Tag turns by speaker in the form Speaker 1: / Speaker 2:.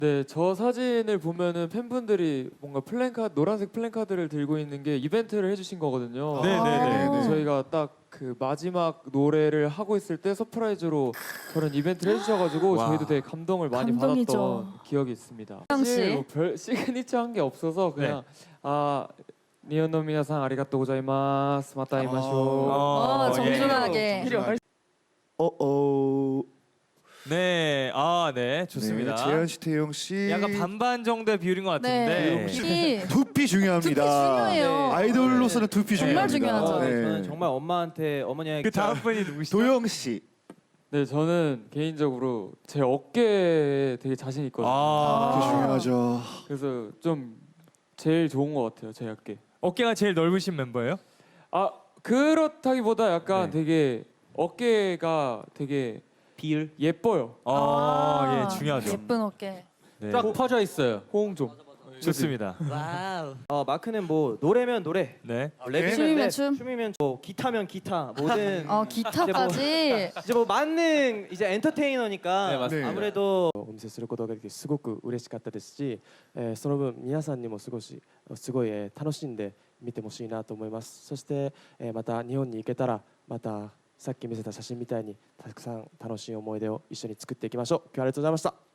Speaker 1: 네, 저 사진을 보면은 팬분들이 뭔가 플랜카드, 노란색 플랜카드를 들고 있는 게 이벤트를 해주신 거거든요.
Speaker 2: 네네네.
Speaker 1: 그래서 저희가 딱 그 마지막 노래를 하고 있을 때 서프라이즈로 그런 이벤트를 해주셔가지고
Speaker 2: 와.
Speaker 1: 저희도 되게 감동을 많이
Speaker 3: 감동이죠.
Speaker 1: 받았던 기억이 있습니다.
Speaker 3: 형 씨.
Speaker 1: 사실 뭐별 시그니처 한 게 없어서 그냥 니온노 미나상 아리가또 고자이마스 마타 이마쇼.
Speaker 3: 정중하게.
Speaker 2: 네, 네, 좋습니다.
Speaker 4: 네, 재현 씨, 태용 씨.
Speaker 2: 약간 반반 정도의 비율인 것 같은데.
Speaker 3: 네. 두피
Speaker 4: 두피 중요합니다.
Speaker 3: 중요해요.
Speaker 4: 아이돌로서는 두피
Speaker 3: 정말
Speaker 4: 중요합니다.
Speaker 3: 중요하죠.
Speaker 4: 네.
Speaker 5: 저는 정말 엄마한테 어머니에게
Speaker 2: 그 다음 분이 누구시죠?
Speaker 4: 도영 씨.
Speaker 1: 네, 저는 개인적으로 제 어깨에 되게 자신 있거든요.
Speaker 4: 두피 중요하죠.
Speaker 1: 그래서 좀 제일 좋은 것 같아요, 제 어깨.
Speaker 2: 어깨가 제일 넓으신 멤버예요?
Speaker 1: 그렇다기보다 약간
Speaker 2: 네.
Speaker 1: 되게 어깨가 되게
Speaker 5: 비율
Speaker 1: 예뻐요.
Speaker 2: 예, 중요하죠.
Speaker 3: 예쁜 어깨.
Speaker 2: 네.
Speaker 5: 쫙 퍼져 있어요.
Speaker 1: 호응 좀.
Speaker 2: 좋습니다.
Speaker 5: 와우. 마크는 뭐 노래면 노래,
Speaker 2: 네.
Speaker 5: 랩이면
Speaker 3: 춤이면
Speaker 5: 랩,
Speaker 3: 춤.
Speaker 5: 춤이면 뭐 기타면 기타, 뭐든
Speaker 3: 기타까지.
Speaker 5: 이제 뭐 만능 이제 엔터테이너니까
Speaker 4: 네, 맞습니다.
Speaker 5: 아무래도
Speaker 6: お見せすることができてすごく嬉しかったですし、その分皆さんにもすごい、楽しんで見てほしいなと思います。そして、また日本に行けたらまたさっき見せた写真みたいにたくさん楽しい思い出を一緒に作っていきましょう。今日はありがとうございました。